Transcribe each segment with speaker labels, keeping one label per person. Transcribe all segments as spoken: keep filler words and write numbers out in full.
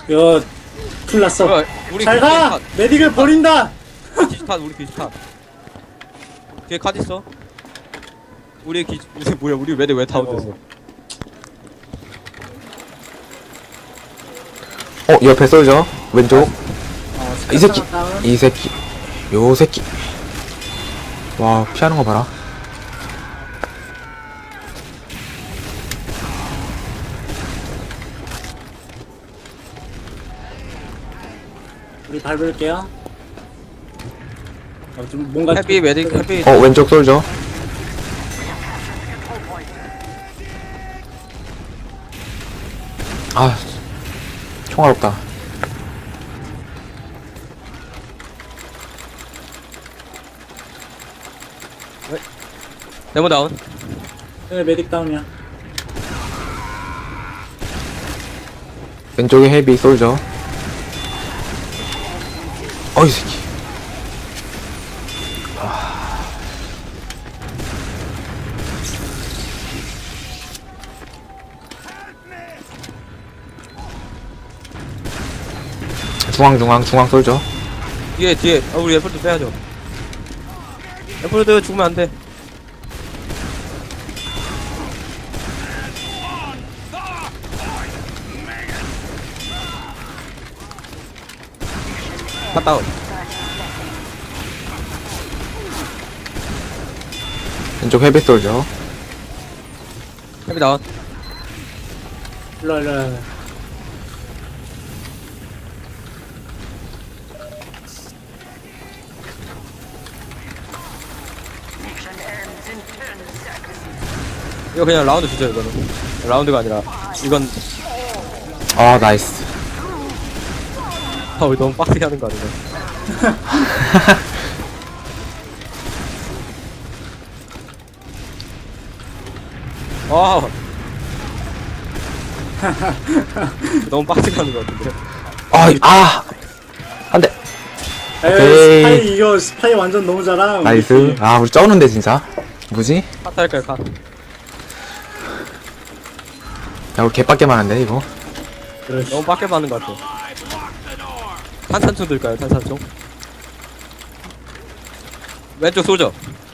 Speaker 1: 이거 큰일 났어.
Speaker 2: 뭐야, 우리
Speaker 1: 잘 가! 메딕을 버린다!
Speaker 2: 기지탄 우리 기지탄 뒤에 카드 있어. 우리 기 우리 뭐야 우리 왜왜 다운됐어.
Speaker 3: 어 옆에 쏠죠 왼쪽.
Speaker 1: 어,
Speaker 3: 이 새끼
Speaker 1: 다운.
Speaker 3: 이 새끼 요 새끼. 와 피하는 거 봐라.
Speaker 1: 우리 밟을게요. 어, 좀 뭔가
Speaker 2: 해피 웨딩 해피.
Speaker 3: 어 왼쪽 쏠죠. 아 총알 없다.
Speaker 2: 데모 다운.
Speaker 1: 네, 메딕 다운이야.
Speaker 3: 왼쪽에 헤비 쏠죠. 어이 새끼. 중앙 중앙 중앙 쏠죠.
Speaker 2: 뒤에 뒤에 아, 우리 애플도 빼야죠. 애플도 죽으면 안 돼. 갔다 온.
Speaker 3: 왼쪽 헤비 쏠죠.
Speaker 2: 해피 다운.
Speaker 1: 일로, 일로, 일로.
Speaker 2: 이거 그냥 라운드 주죠 이거는. 라운드가 아니라 이건
Speaker 3: 아 나이스.
Speaker 2: 아 우리 너무 빡세게 하는 거 아닌가. 와 너무 빡세게 하는 거 같은데.
Speaker 3: 아이 아 안돼.
Speaker 1: 에이,
Speaker 3: 오케이.
Speaker 1: 스파이, 이거 스파이 완전 너무 잘함. 우리
Speaker 3: 나이스.
Speaker 1: 팀.
Speaker 3: 아 우리 쩌는데 진짜. 뭐지?
Speaker 2: 카트 할까요 카?
Speaker 3: 야 우리 개빡게 많은데 이거.
Speaker 1: 그렇지.
Speaker 2: 너무 빡게 하는 거 같아. 탄산총 들까요 탄산총? 왼쪽 쏘죠.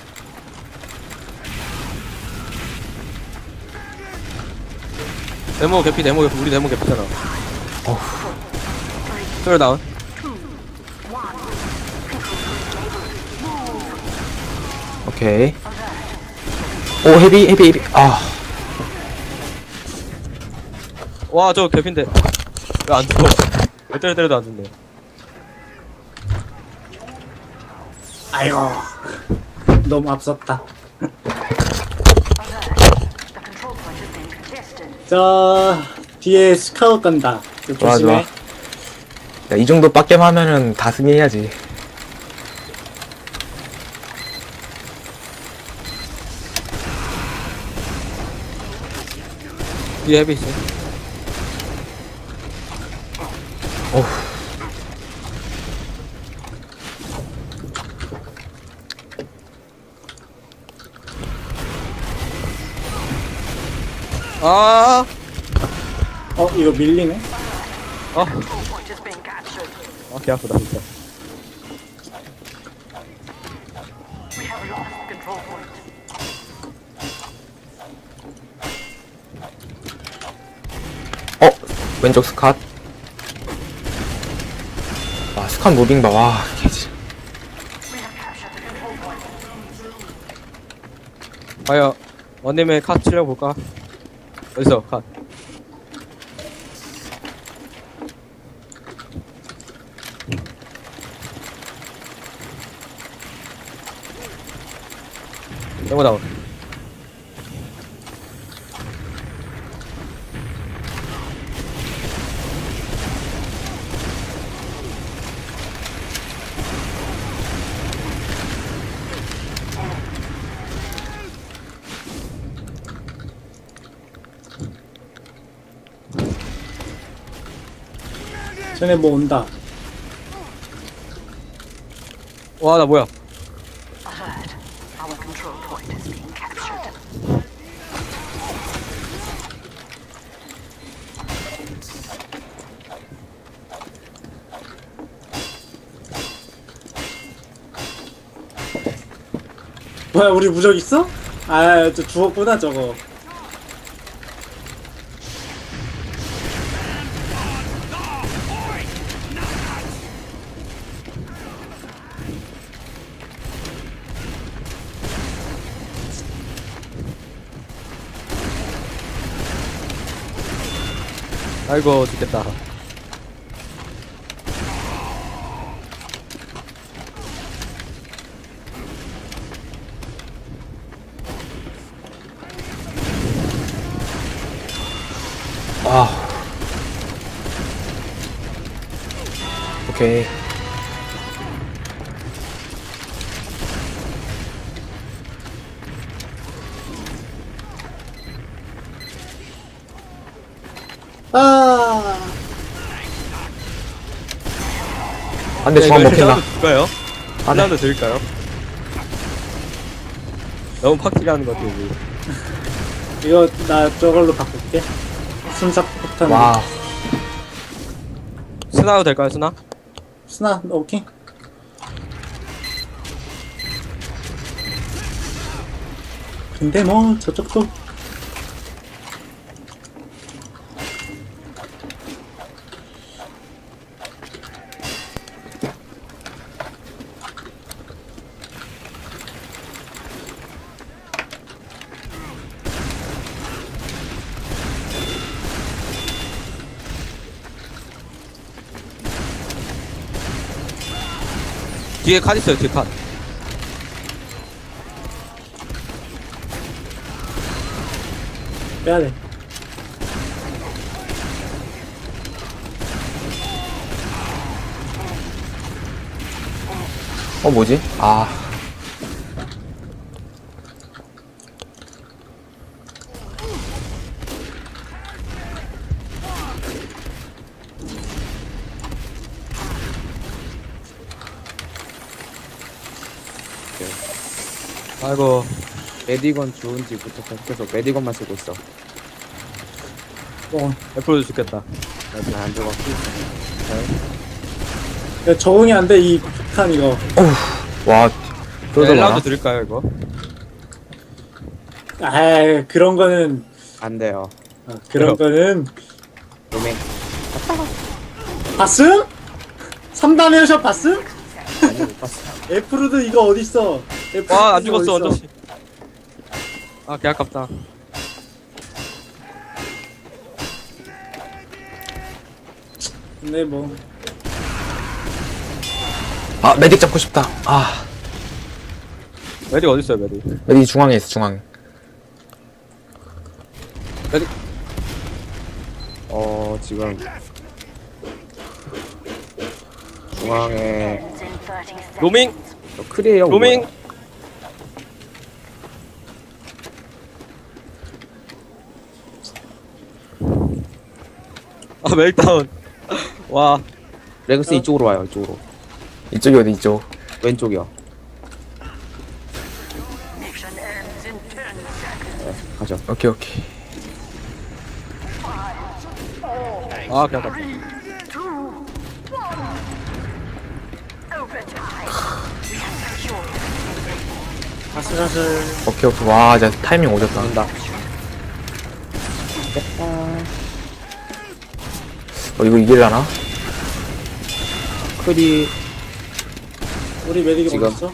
Speaker 2: 데모 개피 데모 개피 우리 데모 개피잖아.
Speaker 3: 어후.
Speaker 2: 소리 다운.
Speaker 3: 오케이. 오 헤비 헤비 헤비. 아
Speaker 2: 와 저 개피인데 왜 안 죽어? 왜 때려 때려도 안 죽네.
Speaker 1: 아이고. 너무 앞섰다. 자, 뒤에 스카웃 간다. 좀
Speaker 3: 좋아
Speaker 1: 조심해.
Speaker 3: 좋아. 야이 정도 빡겜 하면은 다 승리해야지.
Speaker 2: 뒤에 헤비 있어.
Speaker 3: 어후.
Speaker 2: 아,
Speaker 1: 어, 이거 밀리네?
Speaker 2: 아, 아, 개 아프다 진짜.
Speaker 3: 어 왼쪽 스컷. 와 스컷 무빙 봐. 와 개지.
Speaker 2: 과연 원님의 카 치려 볼까? 어디서 카? 영어 나온.
Speaker 1: 쟤네 뭐 온다.
Speaker 2: 와, 나 뭐야?
Speaker 4: Alert. Our control point is being captured.
Speaker 1: 뭐야 우리 무적 있어? 아 저 죽었구나 저거.
Speaker 2: 아이고 죽겠다.
Speaker 3: 아. 오케이.
Speaker 1: 아
Speaker 3: 안돼, 중앙 먹힌다.
Speaker 2: 드릴까요?
Speaker 3: 아, 네.
Speaker 2: 하나도 드릴까요? 너무 팍티라는 것 같아요. 우리.
Speaker 1: 이거 나 저걸로 바꿀게. 순삭 폭탄.
Speaker 3: 와.
Speaker 2: 스나도 될까요, 스나?
Speaker 1: 스나 오케이. 근데 뭐 저쪽도
Speaker 2: 뒤에 칸 있어요, 뒤에 칸.
Speaker 1: 빼야 돼.
Speaker 3: 어, 뭐지? 아.
Speaker 2: 아이고.
Speaker 5: 메디건 좋은지부터 계속 메디건만 쓰고 있어.
Speaker 1: 어,
Speaker 2: 애플도 죽겠다.
Speaker 5: 나안 들어가 쓰고 있어.
Speaker 1: 야, 적응이 안 돼 이 폭탄 이거.
Speaker 3: 와. 쫄도 많아.
Speaker 2: 엘라도 드릴까요, 이거?
Speaker 1: 아 그런 거는
Speaker 5: 안 돼요.
Speaker 1: 아, 그런 거는
Speaker 5: 로맨
Speaker 1: 봤음? 삼 단 헤어샷 봤음?
Speaker 5: 아니 못 봤어.
Speaker 1: 애플도 이거 어딨어? 애플
Speaker 2: 와, 안
Speaker 1: 이거
Speaker 2: 죽었어,
Speaker 1: 어딨어?
Speaker 2: 원저씨. 아, 개 아깝다.
Speaker 1: 근데 뭐
Speaker 3: 아, 메딕 잡고 싶다. 아.
Speaker 2: 메딕 어딨어요, 메딕?
Speaker 3: 메딕 중앙에 있어, 중앙에.
Speaker 2: 메딕.
Speaker 5: 어 지금 중앙에
Speaker 4: Ends in thirty seconds.
Speaker 2: 로밍!
Speaker 5: 저 크리에요.
Speaker 2: 로밍! 아, 멜다운. 와.
Speaker 5: 레그스 이쪽으로 와요. 이쪽으로.
Speaker 3: 이쪽이 어디, 이쪽.
Speaker 5: 왼쪽이요.
Speaker 4: Mission ends in ten seconds.
Speaker 5: 네, 가죠.
Speaker 3: 오케이, 오케이.
Speaker 2: 아, 개 아깝다.
Speaker 4: Three, two, one. Overtime. We have secured.
Speaker 1: 아슬아슬.
Speaker 3: 오케이, 오케이. 와, 진짜 타이밍 오졌다.
Speaker 5: 간다.
Speaker 3: 어, 이거 이길라나?
Speaker 5: 크리
Speaker 1: 우리 메딕이
Speaker 5: 지금.
Speaker 1: 어딨어?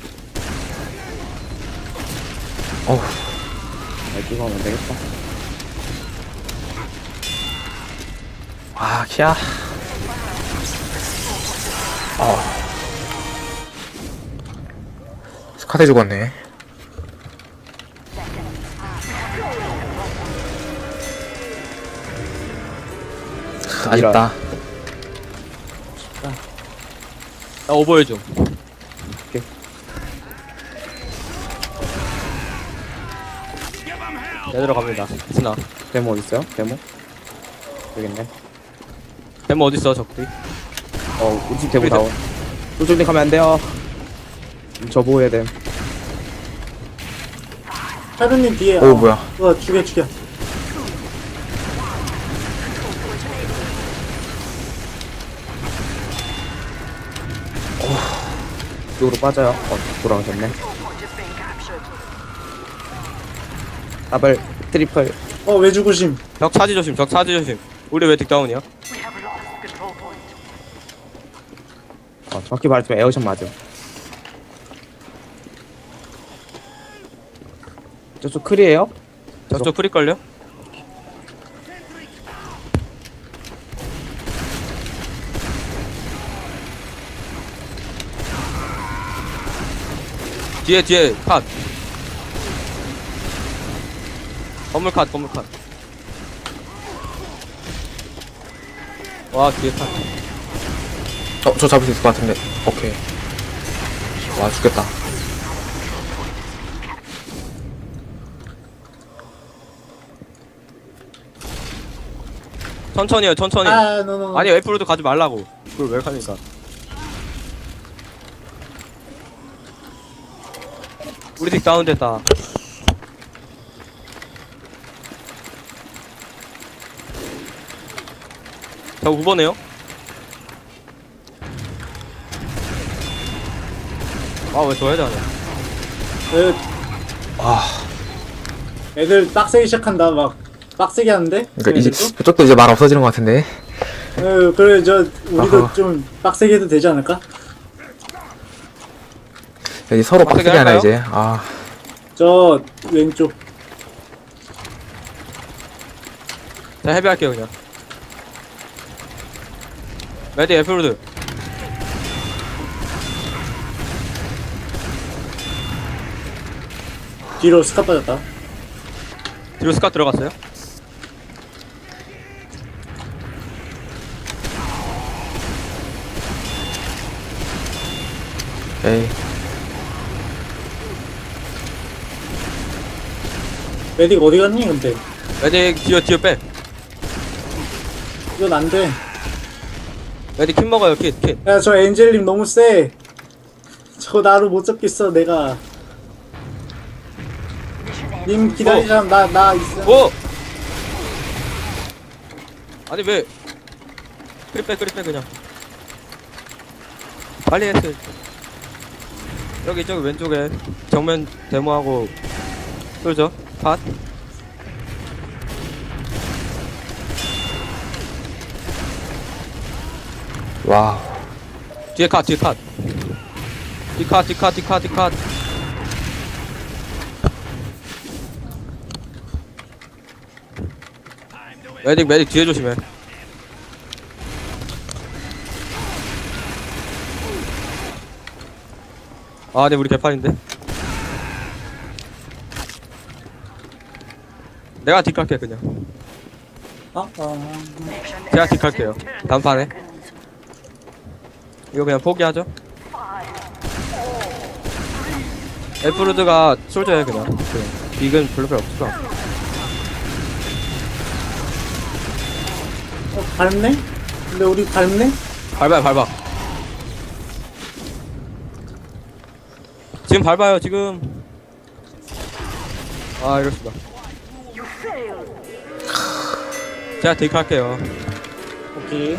Speaker 3: 어우.
Speaker 5: 메디건 하면 되겠다.
Speaker 3: 아, 키야. 어. 스카드 죽었네. 아쉽다.
Speaker 2: 나 오버해 줘.
Speaker 5: 오케이.
Speaker 2: 내대로 갑니다. 스나.
Speaker 5: 데모 어디 있어요? 데모? 여기 있네.
Speaker 2: 데모 어딨어, 적들이?
Speaker 5: 어 우리 집 데모
Speaker 2: 우리
Speaker 5: 나온. 쫄쫄님 가면 안 돼요. 음, 저 보호해야 돼.
Speaker 1: 하루님 뒤에.
Speaker 3: 오, 뭐야.
Speaker 1: 어 죽여 죽여.
Speaker 5: 이쪽으로 빠져요. 어 돌아가셨네.
Speaker 4: Point is being captured.
Speaker 5: 더블 트리플.
Speaker 1: 어, 왜 죽으심?
Speaker 2: 적 차지 조심 적 차지 조심. 우리 왜 딕다운이야?
Speaker 4: We have lost control point.
Speaker 5: 어, 정확히 말하자면 에어샷 맞음. 저쪽 클이에요?
Speaker 2: 저쪽 프리 걸려? 뒤에 뒤에 컷. 건물 컷 건물 컷. 와 뒤에 컷.
Speaker 3: 어, 저 잡을 수 있을 것 같은데. 오케이. 와, 죽겠다.
Speaker 2: 천천히 해요 천천히.
Speaker 1: 아, 노노.
Speaker 2: 아니 웨프로도 가지 말라고. 그걸 왜 가니까. 우리 딕 다운됐다. 저 구 번에요? 아왜 저 해야 하냐.
Speaker 1: 그,
Speaker 3: 아,
Speaker 1: 애들 빡세게 시작한다. 막 빡세게 하는데.
Speaker 3: 그러니까 이제
Speaker 1: 쟤네들도?
Speaker 3: 그쪽도 이제 말 없어지는 것 같은데.
Speaker 1: 어, 그래 저 우리도
Speaker 3: 아하.
Speaker 1: 좀 빡세게 해도 되지 않을까?
Speaker 3: 이제 서로
Speaker 2: 빡세게
Speaker 3: 빡세게 하나
Speaker 2: 할까요?
Speaker 3: 이제. 아,
Speaker 1: 저 왼쪽.
Speaker 2: 자 헤비할게요 그냥. 레디 에프로드.
Speaker 1: 뒤로 스카 빠졌다.
Speaker 2: 뒤로 스카 들어갔어요?
Speaker 3: 에이.
Speaker 1: 메딕 어디 갔니 근데?
Speaker 2: 레디 뒤에 뒤에 빼.
Speaker 1: 이건 안 돼.
Speaker 2: 레디 kit먹어요 킷 킷.
Speaker 1: 야, 저 엔젤님 너무 세. 저거 나를 못 잡겠어, 내가. 님 기다리자, 나, 나 있어.
Speaker 2: 오! 아니 왜 그리 빼 그리 빼 그냥 빨리 했어. 여기 저기 왼쪽에 정면 데모하고 쏠죠 팟.
Speaker 3: 와.
Speaker 2: 뒤에 컷 뒤에 컷 뒤컷 뒤컷 뒤컷 뒤컷. 메딕 메딕 뒤에 조심해. 아 근데 우리 개판인데. 내가 뒷갈게 그냥.
Speaker 1: 어? 어.
Speaker 2: 제가 뒷갈게요 다음 판에. 이거 그냥 포기하죠. 에프로드가 솔저해 그냥. 그냥. 빅은 별로 별로 없어.
Speaker 1: 어, 밟네? 근데 우리 밟네?
Speaker 2: 밟아요 밟아. 지금 밟아요 지금. 아 이럴 수가. 제가 딜 할게요.
Speaker 1: 오케이.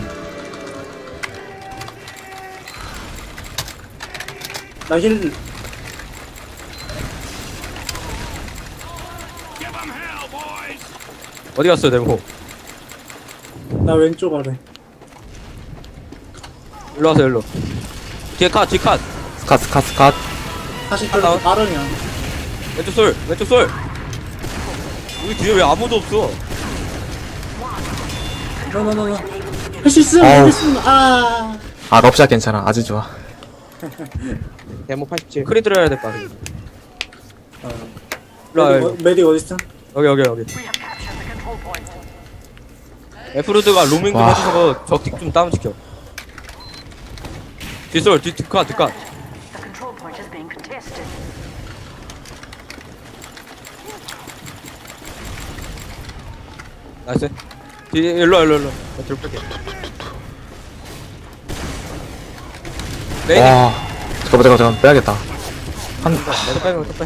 Speaker 1: 나 힐,
Speaker 2: 어디 갔어요 데모?
Speaker 1: 나 왼쪽 아래.
Speaker 2: 일로 와서 일로. 뒤에 컷 뒤에 컷.
Speaker 3: 스카, 스카, 스카.
Speaker 1: 사실
Speaker 2: 아,
Speaker 1: 좀
Speaker 2: 나와.
Speaker 1: 빠르냐.
Speaker 2: 왼쪽 솔 왼쪽 솔. 우리 뒤에 왜 아무도 없어?
Speaker 1: 노노노노. 할 수 있음!
Speaker 3: 아우.
Speaker 1: 할 수 있음! 아.
Speaker 3: 아, 럽샷 괜찮아. 아주 좋아.
Speaker 5: 데모 팔십칠.
Speaker 2: 크리 들어야 될 거 아니야. 일로 와
Speaker 1: 메딕, 어,
Speaker 2: 여기
Speaker 1: 메딕 어딨음?
Speaker 2: 여기 여기 여기.
Speaker 4: We have captured the control point.
Speaker 2: 에프로드가 로밍 좀
Speaker 3: 와.
Speaker 2: 해주셔서 적틱 좀 다운 시켜. 뒷솔 뒤 뒷컷 뒷컷.
Speaker 4: The control point is being contested.
Speaker 2: 나이스. 뒤 일로 와 일로 와, 일로. 나 뒤로 뺄게. 레이디.
Speaker 3: 와. 잠깐만, 잠깐만, 잠깐만. 빼야겠다. 한,
Speaker 2: 내가 빼면 또 빼.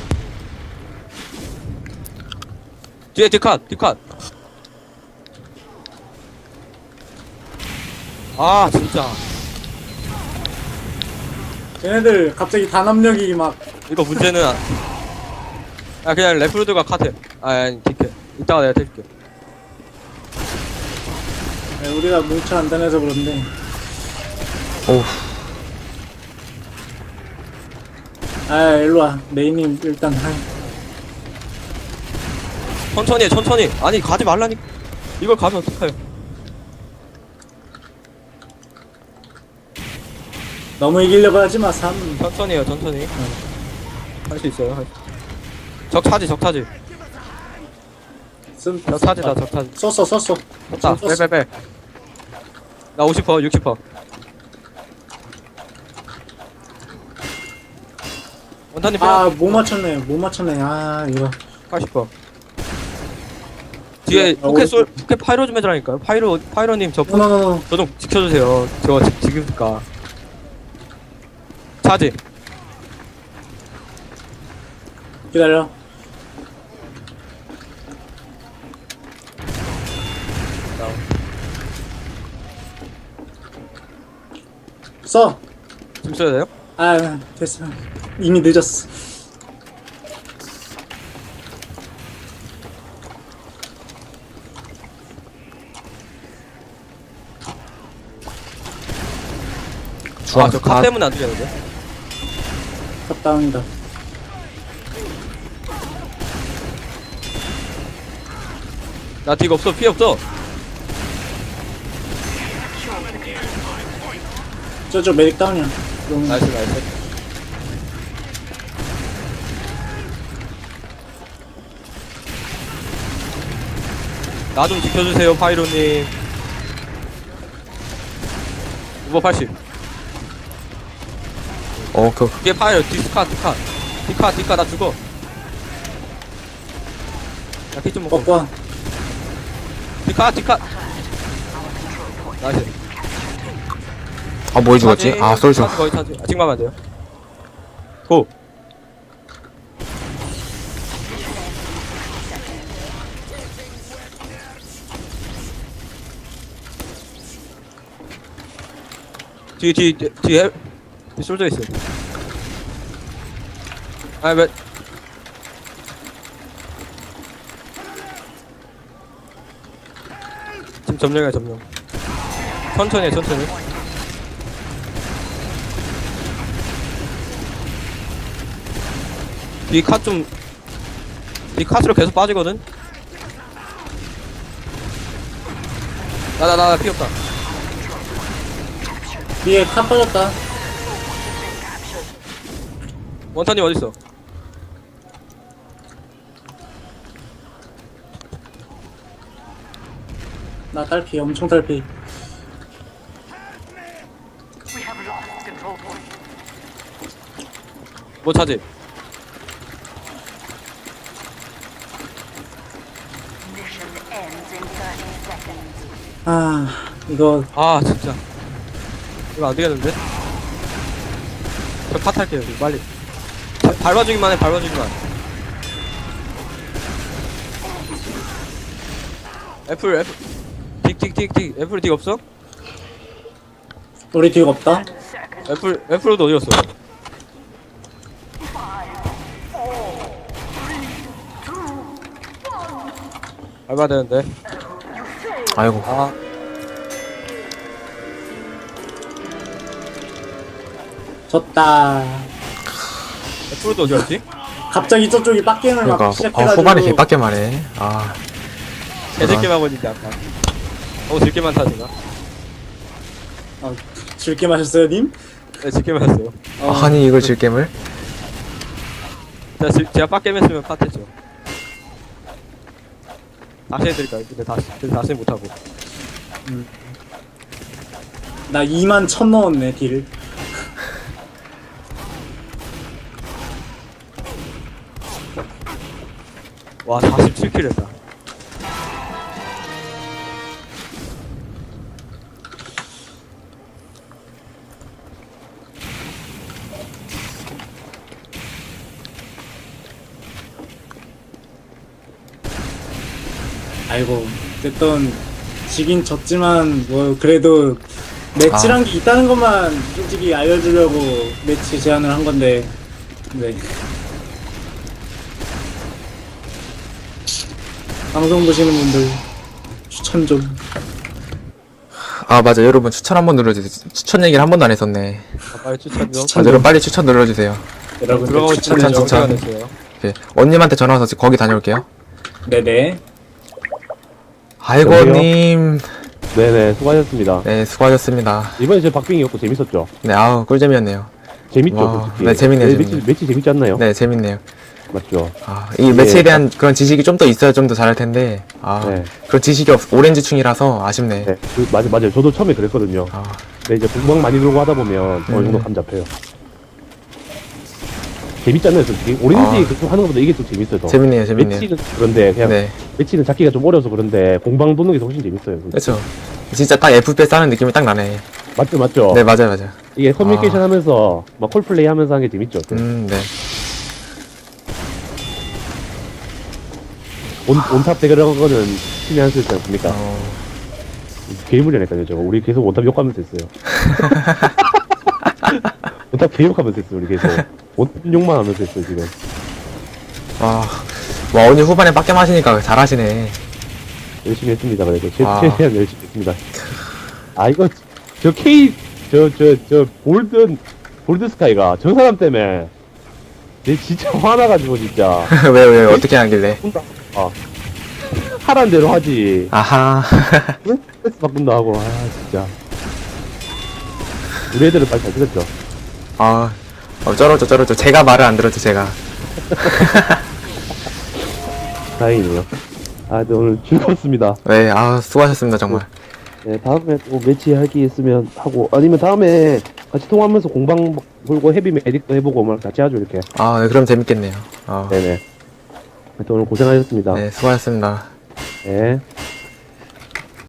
Speaker 2: 뒤에 뒷컷 뒷컷. 아 진짜
Speaker 1: 쟤네들 갑자기 단합력이 막
Speaker 2: 이거 문제는 아 그냥 레프로드가 카트. 아니 아니 딜게 이따가 내가 딜게.
Speaker 1: 네, 우리가 뭉쳐 안 다녀서 그런데.
Speaker 3: 오우.
Speaker 1: 아, 일로와. 메이님, 일단, 하
Speaker 2: 천천히 해 천천히. 아니 가지 말라니. 이걸 가면 어떡해요.
Speaker 1: 너무 이기려고 하지 마, 삼.
Speaker 2: 천천히 해요 천천히. 할 수 있어요. 할 수. 적 차지 적 차지.
Speaker 1: 쓴,
Speaker 2: 적 차지다 적 차지.
Speaker 1: 썼어, 썼어.
Speaker 2: 졌다.
Speaker 1: 썼어.
Speaker 2: 빼빼빼. 나 오십 퍼센트 육십 퍼센트. 원탄님 빼.
Speaker 1: 아, 못 맞췄네, 못 맞췄네. 아, 이거.
Speaker 2: 팔십 퍼센트. 뒤에
Speaker 1: 아,
Speaker 2: 포켓
Speaker 1: 오른쪽.
Speaker 2: 솔 포켓 파이로 좀 해드라니까요. 파이로 파이로님 저 저
Speaker 1: 노노노노.
Speaker 2: 좀 지켜주세요. 저 지- 지금니까. 차지.
Speaker 1: 기다려. 써.
Speaker 2: 지금 써야 돼요?
Speaker 1: 아, 됐어. 이미 늦었어.
Speaker 3: 중앙
Speaker 2: 아저 카
Speaker 3: 다
Speaker 2: 때문에 안 되는데.
Speaker 1: 탑다운이다.
Speaker 2: 나 딜 없어 피 없어.
Speaker 1: 저저 메릭 다운이야. 그럼
Speaker 2: 나이스 나이스. 나 좀 지켜주세요 파이로님. 오버 팔십.
Speaker 3: 어, 그,
Speaker 2: 이게 파이로 디스카 디카 디카 디카 나 죽어. 나키좀 먹고.
Speaker 1: 뻑뻑.
Speaker 2: 디카 디카. 나이스.
Speaker 3: 아, 뭘 죽었지?
Speaker 2: 차지,
Speaker 3: 아, 솔져.
Speaker 2: 차지 거의 차지. 아, 지금 가면 안 돼요. 고. 뒤, 뒤, 뒤, 뒤에, 뒤 쏠져 있어. 아, 왜. 지금 점령이야, 점령. 천천히 해, 천천히. 뒤 카 좀, 뒤 카스로 계속 빠지거든? 나, 나, 나, 나, 피 없다.
Speaker 1: 뒤에 탑 빠졌다.
Speaker 2: 원탄님 어딨어?
Speaker 1: 나 딸피, 엄청 딸피.
Speaker 4: We have lost control point.
Speaker 2: 뭐 차지?
Speaker 4: Mission ends in thirty seconds.
Speaker 1: 아, 이거
Speaker 2: 아, 진짜. 이거 안 되겠는데? 저 팟할게요, 이거 빨리. 바, 밟아주기만 해, 밟아주기만. 애플, 애플. 틱, 틱, 틱, 틱. 애플 틱 없어?
Speaker 1: 우리 뒤가 없다.
Speaker 4: Seconds.
Speaker 2: 애플, 애플도 어디 갔어? 밟아야 되는데.
Speaker 3: 아이고.
Speaker 2: 아,
Speaker 1: 졌다.
Speaker 2: 애플도 어디 갔지?
Speaker 1: 갑자기 저쪽이 빡게임을
Speaker 3: 그러니까,
Speaker 1: 막
Speaker 3: 아,
Speaker 1: 시작해가지고.
Speaker 3: 후반에 개빡게 말해. 아,
Speaker 2: 개들게만 보니까 아까. 어, 들게만 타지나?
Speaker 1: 아, 즐게 마셨어요, 님?
Speaker 2: 네, 들게만 했어요.
Speaker 1: 어,
Speaker 3: 아니, 이걸 질겜을?
Speaker 2: 제가, 지- 제가 빡겜 했으면 팟했죠. 다시 해드릴까요? 근데 다시, 근데 다시 못하고.
Speaker 1: 나 이만 천 넣었네, 딜.
Speaker 2: 와, 사십칠 킬 했다.
Speaker 1: 아이고, 어쨌든 지긴 졌지만 뭐 그래도 매치란
Speaker 3: 아.
Speaker 1: 게 있다는 것만 솔직히 알려주려고 매치 제안을 한 건데, 네. 방송 보시는 분들 추천 좀.
Speaker 3: 아 맞아 여러분 추천 한번 눌러주세요. 추천 얘기를 한 번도 안 했었네.
Speaker 2: 아, 빨리 추천 좀.
Speaker 1: 추천
Speaker 3: 아, 여러분 빨리 추천 눌러주세요.
Speaker 1: 여러분들
Speaker 2: 들어가고
Speaker 1: 추천
Speaker 2: 있는
Speaker 3: 추천,
Speaker 1: 좀.
Speaker 3: 추천.
Speaker 2: 됐어요.
Speaker 3: 네. 언님한테 전화 와서 거기 다녀올게요.
Speaker 1: 네네.
Speaker 3: 아이고님
Speaker 5: 네네, 수고하셨습니다.
Speaker 3: 네 수고하셨습니다.
Speaker 5: 이번에 저 박빙이었고 재밌었죠?
Speaker 3: 네 아우 꿀잼이었네요.
Speaker 5: 재밌죠,
Speaker 3: 와,
Speaker 5: 솔직히.
Speaker 3: 네, 재밌네요,
Speaker 5: 매치,
Speaker 3: 재밌네요.
Speaker 5: 매치 재밌지 않나요?
Speaker 3: 네 재밌네요.
Speaker 5: 맞죠?
Speaker 3: 아, 이 매치에 대한 그런 지식이 좀 더 있어야 좀 더 잘할 텐데 아
Speaker 5: 네.
Speaker 3: 그런 지식이 없 오렌지충이라서 아쉽네.
Speaker 5: 네, 그, 맞아, 맞아요. 저도 처음에 그랬거든요.
Speaker 3: 아
Speaker 5: 근데 이제 공방 많이 돌고 하다 보면 어느 정도
Speaker 3: 음.
Speaker 5: 감 잡혀요. 재밌잖아요, 솔직히. 오렌지
Speaker 3: 아.
Speaker 5: 그쪽 하는 것보다 이게 좀 재밌어요. 더.
Speaker 3: 재밌네요, 재밌네요.
Speaker 5: 매치는 그런데 그냥
Speaker 3: 네
Speaker 5: 매치는 잡기가 좀 어려서 그런데 공방 도는 게 훨씬 재밌어요.
Speaker 3: 그렇죠. 진짜 딱 에프피에스 하는 느낌이 딱 나네.
Speaker 5: 맞죠, 맞죠.
Speaker 3: 네 맞아요, 맞아요.
Speaker 5: 이게 커뮤니케이션
Speaker 3: 아.
Speaker 5: 하면서 막 콜플레이 하면서 하는 게 재밌죠.
Speaker 3: 음 네.
Speaker 5: 온, 온탑 대결한 거는 신의 한 수였지 않습니까?
Speaker 3: 어,
Speaker 5: 개무리하니까요, 저거. 우리 계속 온탑 욕하면서 했어요. 온탑 개욕하면서 했어요, 우리 계속. 온탑 욕만 하면서 했어요, 지금.
Speaker 3: 와, 와 오늘 후반에 빡게 마시니까 잘하시네.
Speaker 5: 열심히 했습니다, 그래도. 제,
Speaker 3: 아.
Speaker 5: 최대한 열심히 했습니다. 아, 이거, 저 K, 저, 저, 저, 골든, 골드스카이가 저 사람 때문에, 내 진짜 화나가지고, 진짜.
Speaker 3: 왜, 왜, 어떻게 하길래?
Speaker 5: 아. 하란 대로 하지.
Speaker 3: 아하.
Speaker 5: 왜 스트레스 바꾼다 하고, 아, 진짜. 우리 애들은 말 잘 들었죠.
Speaker 3: 아, 어, 쩔었죠, 쩔었죠. 제가 말을 안 들었죠, 제가.
Speaker 5: 다행이네요. 아, 근데 오늘 즐거웠습니다.
Speaker 3: 네, 아, 수고하셨습니다, 정말.
Speaker 5: 네, 다음에 또 매치 할 게 있으면 하고, 아니면 다음에 같이 통화하면서 공방 돌고 헤비 메딕도 해보고 뭐 같이 하죠, 이렇게.
Speaker 3: 아, 네, 그럼 재밌겠네요. 아,
Speaker 5: 네네. 하여튼 오늘 고생하셨습니다.
Speaker 3: 네, 수고하셨습니다.
Speaker 5: 네.